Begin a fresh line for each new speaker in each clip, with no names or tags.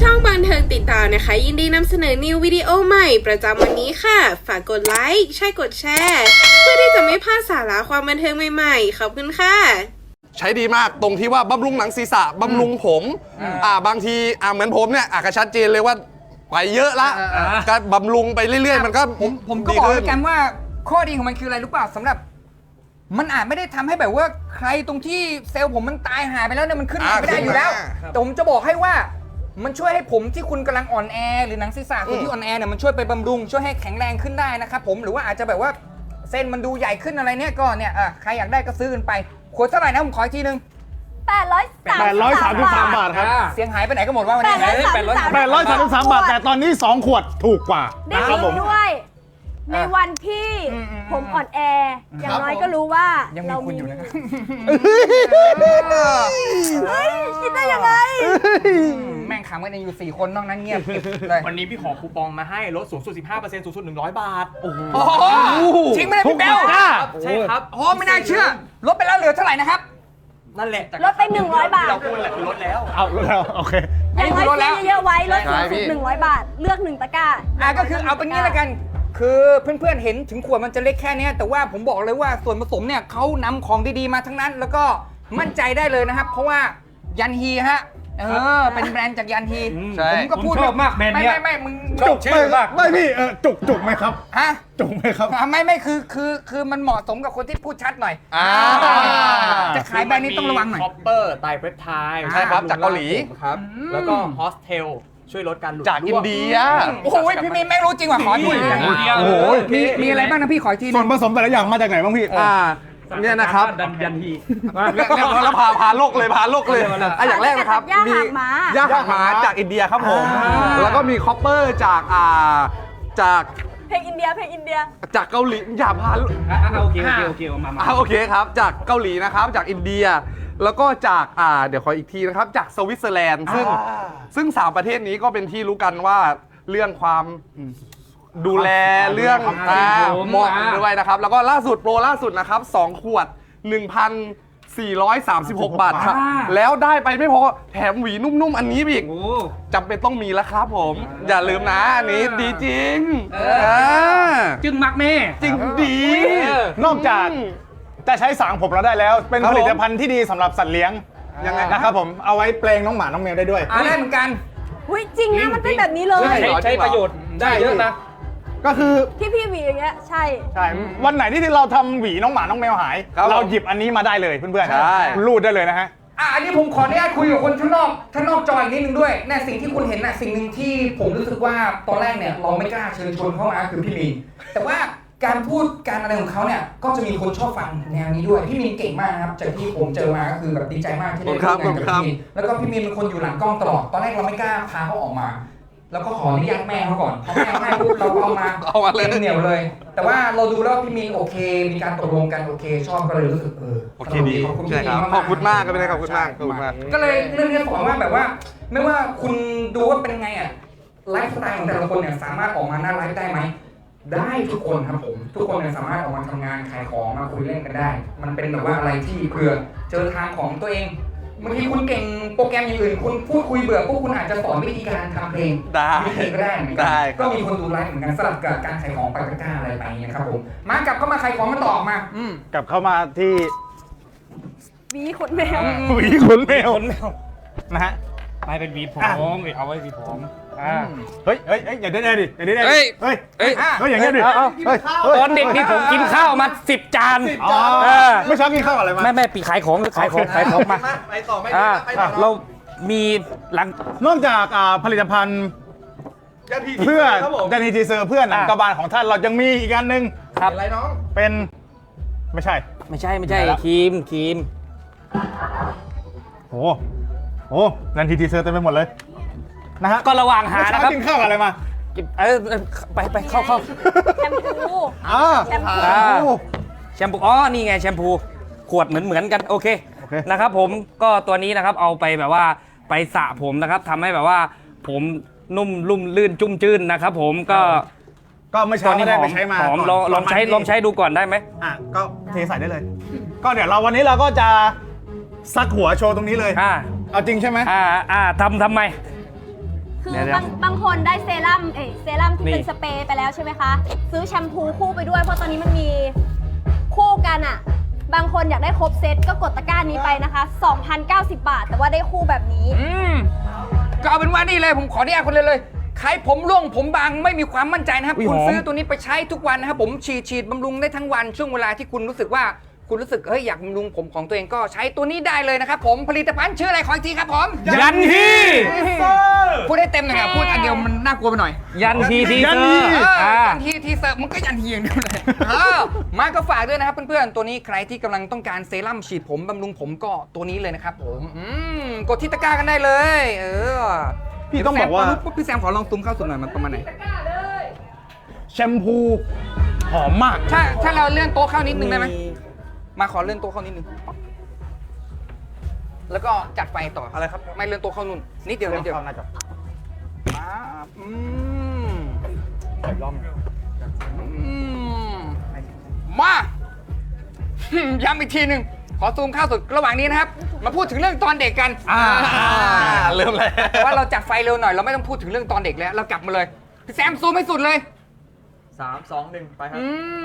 ช่องบันเทิงติดตามนะคะยินดีนำเสนอนิววิดีโอใหม่ประจำวันนี้ค่ะฝากกดไลค์ใช่กดแชร์เพื่อที่จะไม่พลาดสาระความบันเทิงใหม่ๆขอบคุณค่ะ
ใช้ดีมากตรงที่ว่าบำรุงหนังศีรษะบำรุงผมบางทีเหมือนผมเนี่ยก็ชัดเจนเลยว่าไปเยอะละก็บำรุงไปเรื่อยๆมันก็
ผมก็บอกกันว่าข้อดีของมันคืออะไรรู้ป่ะสำหรับมันอาจไม่ได้ทำให้แบบว่าใครตรงที่เซลล์ผมมันตายหายไปแล้วเนี่ยมันขึ้นมาไม่ได้อยู่แล้วแต่ผมจะบอกให้ว่ามันช่วยให้ผมที่คุณกำลังอ่อนแอหรือหนังศีรษะคุณที่อ่อนแอเนี่ยมันช่วยไปบำรุงช่วยให้แข็งแรงขึ้นได้นะครับผมหรือว่าอาจจะแบบว่าเส้นมันดูใหญ่ขึ้นอะไรเนี่ยก็เนี่ยใครอยากได้ก็ซื้อกันไปขวดเท่าไหร่นะผมขออีกทีนึง
833 บาทครับ
เสียงหายไปไหนก็หมดว่าวันนี้
833 บาทแต่ตอนนี้2 ขวดถูกกว่า
ได้ยินด้วยในวันที่ผมอ่อนแออย่างน้อยก็รู้ว่า
เรามีอยู่นะครับ
เฮ้ยคิดได้ยังไง
แม่งขำกันเองอยู่4คนนอกนั้นเงียบเลย
วันนี้พี่ขอคูปองมาให้ลดสูงสุด 15% สูงสุด100 บาทโอ้โห
จริงไหมพี่เบล
ใช่ครับ
โอ้ไม่น่าเชื่อลดไปแล้วเหลือเท่าไหร่นะครับ
นั่นแหละ
ลดไป100 บาท
เราพูดแหละคือลดแล้ว
ลดแล้วโอเค
อย่างน้อยซื้อเยอะๆไว้ลดสูงสุด100 บาทเลือก1 ตะกร้า
ก็คือเอาเป็นงี้ละกันคือเพื่อนๆเห็นถึงขวดมันจะเล็กแค่นี้แต่ว่าผมบอกเลยว่าส่วนผสมเนี่ยเขานำของดีๆมาทั้งนั้นแล้วก็มั่นใจได้เลยนะครับเพราะว่ายันฮีฮะเป็นแบรนด์จากยันฮีผมก็พูด
ชอบมากแบรนด์นี้
ไม่มึง
จุกมากไม่พี่จุกไหมครับ
ฮะ
จุกไหมครับ
ไม่คือมันเหมาะสมกับคนที่พูดชัดหน่อยจะขายแบรนด์นี้ต้องระวังหน่อย
คอปเปอร์ไตรเพปไทด์
ใช่ครับจากเกาหลี
ครับแล้วก็ฮอสเทลช่วยลดการหลุด
จากอินเดีย
โอ้โหพี่มีไม่รู้จริงว่ะขอที
โอ้โห
มีอะไรบ้างนะพี่ขอที
ส่วนผสมแต่ละอย่างมาจากไหนบ้างพี่
เนี่ยนะครับ
ยันฮี
แล้วพาโลกเลยอย่างแรกนะครับมีย่าหางหมาจากอินเดียครับผมแล้วก็มีคอปเปอร์จาก
เพลงอินเดีย
จากเกาหลีอย่าพา
โอเคมา
โอเคครับจากเกาหลีนะครับจากอินเดียแล้วก็จากเดี๋ยวขออีกทีนะครับจากสวิตเซอร์แลนด์ซึ่ง3 ประเทศนี้ก็เป็นที่รู้กันว่าเรื่องความดูแลเรื่องเหมาะด้วยนะครับแล้วก็โปรล่าสุดนะครับ2 ขวด 1,436 บาทครับแล้วได้ไปไม่พอแถมหวีนุ่มๆอันนี้อีกจำเป็นต้องมีแล้วครับผมอย่าลืมนะอันนี้ดีจริง
จึงมักแม่
จริงดี
นอกจากจะใช้สางผมเราได้แล้วเป็นผลิตภัณฑ์ที่ดีสำหรับสัตว์เลี้ยง
ยังไง
นะครับผมเอาไว้เปลงน้องหมาน้องแมวได้ด้วย
ได้เหมือนกัน
จริงนะมันเป็นแบบนี้เลย
ใช้ประโยชน์ได้เยอะนะ
ก็คือ
ที่พี่หวีอย่างเงี้ยใช่
วันไหนที่เราทำหวีน้องหมาน้องแมวหายเราหยิบอันนี้มาได้เลยเพื่อนๆรูดได้เลยนะฮะ
อันนี้ผมขออนุญาตคุยกับคนข้างนอกจออีกนิดนึงด้วยเนี่ยสิ่งที่คุณเห็นน่ะสิ่งหนึ่งที่ผมรู้สึกว่าตอนแรกเนี่ยเราไม่กล้าเชิญชวนเข้ามาคือพี่มีนแต่ว่าการพูดการอะไรของเขาเนี่ยก็จะมีคนชอบฟังแนวนี้ด้วยพี่มีนเก่งมากครับจากที่ผมเจอมาก็คือแบบดีใจมากที่ได้ร่วมงานกับพี่มีนแล้วก็พี่มีนเป็นคนอยู่หลังกล้องตลอดตอนแรกเราไม่กล้าพาเขาออกมาแล้วก็ขออนุญาตแม่เขาก่อนพอแม่ปุ๊บเราก็เอามาเลยเหนียวเลยแต่ว่าเราดูแล้วพี่มีนโอเคมีการตกลงกันโอเคชอบก็เลยรู้สึก
โอเคดีขอบคุณครับขอบคุณมากก็เป็นขอบคุณมาก
ก็เลยเรื่องนี้ขอว่าแบบว่าไม่ว่าคุณดูว่าเป็นไงไลฟ์สไตล์ของแต่ละคนเนี่ยสามารถออกมาหน้าไลฟ์ได้ไหมได้ทุกคนครับผมทุกคนเนี่ยสามารถออกมาทำงานขายของมาคุยเล่นกันได้มันเป็นแบบว่าอะไรที่เผื่อเจอทางของตัวเองบางทีคุณเก่งโปรแกรมอย่างอื่นคุณพูดคุยเบื่อพวกคุณอาจจะสอนวิธีการทำเพลงวิธีก็ได้เหมือนกันก็มีคนดูไลฟ์เหมือนกันสลับกับการขายของไปตะกร้าอะไรไปเนี่ยครับผมมากลับเข้ามาขายของมาต่อม
ากลับเข้ามาที่
หวีขนแมว
นะฮะ
ไม่เป็นหวีผมเอาไว้หวีผม
เฮ้ยอย่าได้ดิเฮ้ยอย่างเงี้ยดิ
ตอนเด็กนี่ผมกินข้าวมา10 จาน
ไม่ชอบกินข้าวอะไรมา
ไม่ปีขายของมา
ไปต่อไม่
เรามีหลัง
นอกจากผลิตภัณฑ์เพื่อยันฮีทีเซอร์เพื่อนหนังกระบาลของท่านเรายังมีอีกอันนึง
ครับอะไรน้อง
เป็นไม่ใช่
ครีม
โอ้ยันฮีทีเซอร์เต็มไปหมดเลยนะฮะ
ก็ระหว่างหานะครับ
กินข้าวอะไรมา
ไปเข้า
แชมพู
นี่ไงแชมพูขวดเหมือนกันโอเคนะครับผมก็ตัวนี้นะครับเอาไปแบบว่าไปสระผมนะครับทำให้แบบว่าผมนุ่มลุ่มลื่นจุ้มจื้นนะครับผม
ก็เมื่อเช้าได้ไปใช้มา
ลองใช้ดูก่อนได้ไหม
ก็เทใส่ได้เลยก็เดี๋ยววันนี้เราก็จะซักหัวโชว์ตรงนี้เลยเอาจริงใช่ไหม
ทำไม
คือ
เดี๋ยว
บางคนได้เซรั่มเซรั่มที่
นี่
เป็นสเปรย์ไปแล้วใช่ไหมคะ ซื้อแชมพูคู่ไปด้วยเพราะตอนนี้มันมีคู่กันอ่ะ บางคนอยากได้ครบเซตก็กดตะกร้านี้ไปนะคะ 2,090 บาท แต่ว่าได้คู่แบบนี้
ก็เอาเป็นว่านี่เลยผมขออนุญาตคนเลยใครผมร่วงผมบางไม่มีความมั่นใจนะครับ
อุ๊ย
คุณ
หอม
ซื้อตัวนี้ไปใช้ทุกวันนะครับผมฉีดบำรุงได้ทั้งวันช่วงเวลาที่คุณรู้สึกว่าคุณรู้สึกเฮ้ยอยากบำรุงผมของตัวเองก็ใช้ตัวนี้ได้เลยนะครับผมผลิตภัณฑ์ชื่ออะไรขออีกทีครับผม
ยันฮี
พูดได้เต็มหน่อยครับพูดอันเดียวมันน่ากลัวไปหน่อย
ยันฮีที
ยั
เซ
น
อ
ฮี
ร์
ยันฮีทีเซอร์มันก็ยันฮีอย่างเดียวเลยมาก็ฝากด้วยนะครับเพื่อนๆตัวนี้ใครที่กำลังต้องการเซรั่มฉีดผมบำรุงผมก็ตัวนี้เลยนะครับผมกดที่ตะกร้ากันได้เลย
พี่ต้องบอกว่า
พี่แซมขอลองตุ้มเข้าสุดหน่อยมันประมาณไหน
แชมพูหอมมาก
ถ้าเราเลื่อนโต๊ะเข้านิดนึงได้ไหมมาขอเลื่อนโต๊ะเข้านิดนึงแล้วก็จัดไฟต่ออะไรครับไม่เลื่อนโต๊ะเข้านู่นนิดเดียวนิดเดียวมามาย้ำอีกทีหนึ่งขอซูมเข้าสุดระหว่างนี้นะครับ มาพูดถึงเรื่องตอนเด็กกัน
เริ่มเลย
ว่าเราจัดไฟเร็วหน่อยเราไม่ต้องพูดถึงเรื่องตอนเด็กแล้วเรากลับมาเลยพี่แซมซูมให้สุดเลย
3 2 1 ไปครับ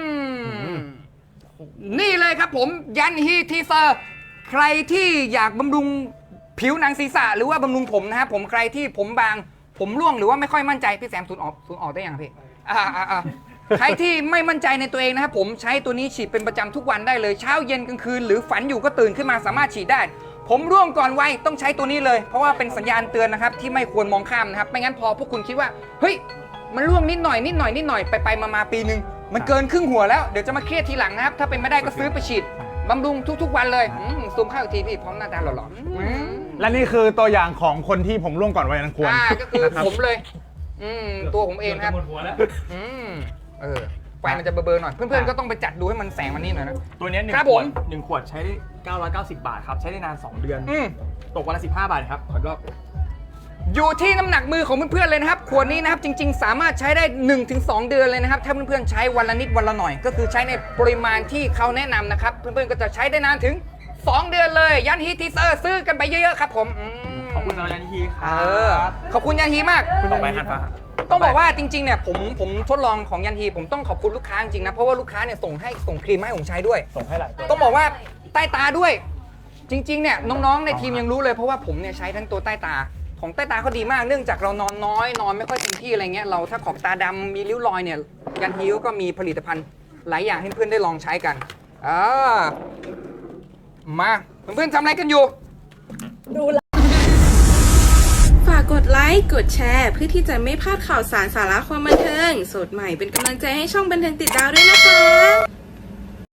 นี่เลยครับผมยันฮีทีเซอร์ใครที่อยากบำรุงผิวหนังศีรษะหรือว่าบำรุงผมนะครับผมใครที่ผมบางผมร่วงหรือว่าไม่ค่อยมั่นใจพี่แซมสูนออกได้ยังพี่ใครที่ไม่มั่นใจในตัวเองนะครับผมใช้ตัวนี้ฉีดเป็นประจำทุกวันได้เลยเช้าเย็นกลางคืนหรือฝันอยู่ก็ตื่นขึ้นมาสามารถฉีดได้ ผมร่วงก่อนวัยต้องใช้ตัวนี้เลยเพราะว่าเป็นสัญญาณเตือนนะครับที่ไม่ควรมองข้ามนะครับไม่งั้นพอพวกคุณคิดว่าเฮ้ยมันร่วงนิดหน่อยไปมาปีนึงมันเกินครึ่งหัวแล้วเดี๋ยวจะมาเครียดทีหลังนะครับถ้าเป็นไม่ได้ก็ซื้อไปฉีดบำรุงทุกๆวันเลยซูมเข้าอีกทีพี่พร้อมหน้าตาหล่อๆ
และนี่คือตัวอย่างของคนที่ผมร่วงก่อนวัยอันควร
ก็คือผมเลยตัวผมเองครับไฟมันจะเบลอๆหน่อยเพื่อนๆก็ต้องไปจัดดูให้มันแสงมันนี่หน่อยนะ
ตัวเนี้ย
ครับ
1 ข
ผ
ว
ม
ด1 ขวดใช้ 990 บาทครับ ใช้ได้นาน 2 เดือน ตกวันละ 15 บาทครับขออีกรอบ
อยู่ที่น้ำหนักมือของเพื่อนๆเลยนะครับขวดนี้นะครับจริงๆสามารถใช้ได้ 1-2 เดือนเลยนะครับถ้าเพื่อนๆใช้วันละนิดวันละหน่อยก็คือใช้ในปริมาณที่เขาแนะนำนะครับเพื่อนๆก็จะใช้ได้นานถึง 2 เดือนเลยยันฮีทีเซอร์ซื้อกันไปเยอะๆครับผม
ขอบคุณสำหรับยันฮีครั
ขอบคุณยันฮีมาก
ต่อไปฮันฟ้า
ต้องบอกว่าจริงๆเนี่ยผมทดลองของยันฮีผมต้องขอบคุณลูกค้าจริงๆนะเพราะว่าลูกค้าเนี่ยส่งครีมมาให้ผมใช้ด้วย
ส่งให้หลายตัว
ต้องบอกว่าใต้ตาด้วย จริงๆเนี่ยน้องๆในทีมยังรู้เลยเพราะว่าผมเนี่ยใช้ทั้งตัวใต้ตาของใต้ตาเขาดีมากเนื่องจากเรานอนน้อยนอนไม่ค่อยเต็มที่อะไรเงี้ยเราถ้าขอบตาดำมีริ้วรอยเนี่ยยันฮีก็มีผลิตภัณฑ์หลายอย่างให้เพื่อนได้ลองใช้กันมาเพื่อนๆทำอะไรกันอยู่
ฝากกดไลค์ กดแชร์ เพื่อที่จะไม่พลาดข่าวสารสาระความบันเทิง สดใหม่เป็นกำลังใจให้ช่องบันเทิงติดดาวด้วยนะคะ